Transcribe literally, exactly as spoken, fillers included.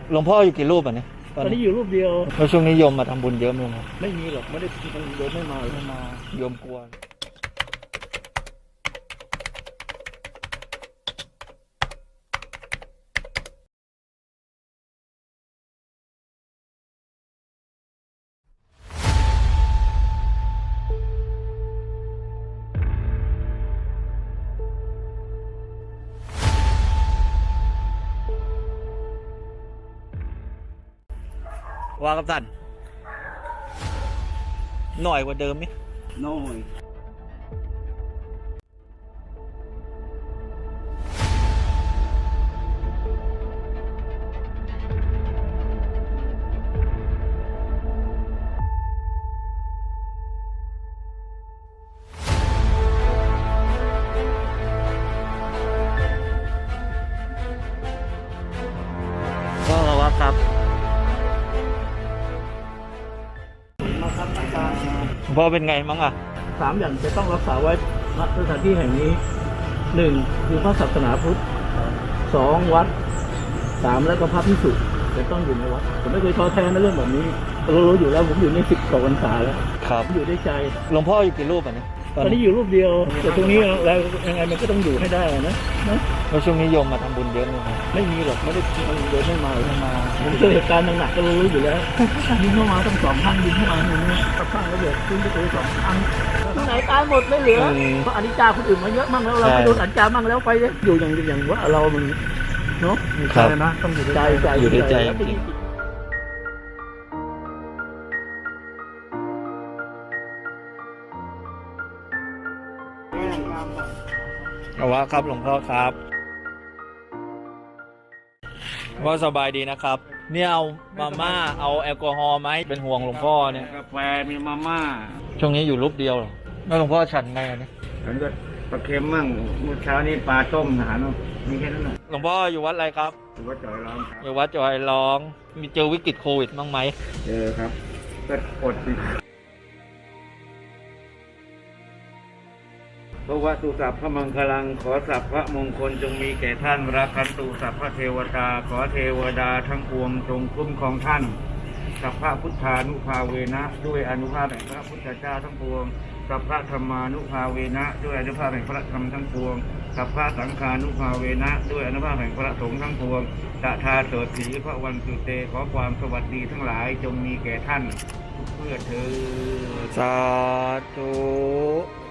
หลวงพ่ออยู่กี่รูปอ่ะเนี่ยตอนนี้อยู่รูปเดียวแล้วช่วงนี้โยมมาทำบุญเยอะไหมครับไม่มีหรอกไม่ได้โยมไม่มาไม่มาโยมกลัวว่ากับท่านหน่อยกว่าเดิมไหมน้อยก็ว่าครับมาครับอาจารย์พ่อเป็นไงมั้งอ่ะสามอย่างจะต้องรักษาไว้ณสถานที่แห่งนี้หนึ่งคือพระศาสนาพุทธสองวัดสามแล้วก็พระภิกษุจะต้องอยู่ในวัดผมไม่เคยท้อแท้ในเรื่องแบบนี้เรารู้อยู่แล้วผมอยู่ในสิบกว่าพรรษาแล้วครับอยู่ได้ใจหลวงพ่ออยู่กี่รูปอ่ะเนี่ยตอนนี้อยู่รูปเดียวแต่ตรงนี้แล้วยังไงมันก็ต้องอยู่ให้ได้นะนะแล้วช่วงนี้โยมมาทำบุญเยอะไหมครับไม่มีหรอกไม่ได้โยมไม่มาไม่มาผมเจอเหตุการณ์หนักๆก็รู้อยู่แล้วยิงเข้ามาตั้งสองครั้งยิงเข้ามาอย่างนี้กระข้างระเบิดขึ้นไปตัวสองครั้งที่ไหนตายหมดไม่เหลือเพราะอนิจจาคนอื่นมาเยอะมั่งแล้วเราไม่โดนอนิจจามั่งแล้วไปอยู่อย่างอย่างว่าเรามันเนาะใจนะต้องอยู่ใจใจอยู่ในใจเอาว่าครับหลวงพ่อครับว่าสบายดีนะครับเนี่ยเอามาม่าเอาแอลกอฮอล์ไหมเป็นห่วงหลวงพ่อเนี่ยกาแฟมีมาม่าช่วงนี้อยู่รูปเดียวหรอแล้วหลวงพ่อฉันไงเนี่ยฉันก็ปลาเค็มมั่งเมื่อเช้านี้ปลาต้มอาหารมีแค่นั้นแหละหลวงพ่ออยู่วัดอะไรครับอยู่วัดจอยร้องอยู่วัดจอยร้องมีเจอวิกฤตโควิดบ้างไหมเจอครับก็อดสิพระวะตุสัพพะมังคลังขอสัพพะมงคลจงมีแก่ท่านรักขันตุสัพพะเทวตาขอเทวดาทั้งปวงจงคุ้มครองท่านสัพพะพุทธานุภาเวนะด้วยอนุภาพแห่งพระพุทธเจ้าทั้งปวงสัพพะธรรมานุภาเวนะด้วยอนุภาพแห่งพระธรรมทั้งปวงสัพพะสังฆานุภาเวนะด้วยอนุภาพแห่งพระสงฆ์ทั้งปวงตถาโสถีพระวันสุเตขอความสวัสดีทั้งหลายจงมีแก่ท่านเพื่อเธอสาธุ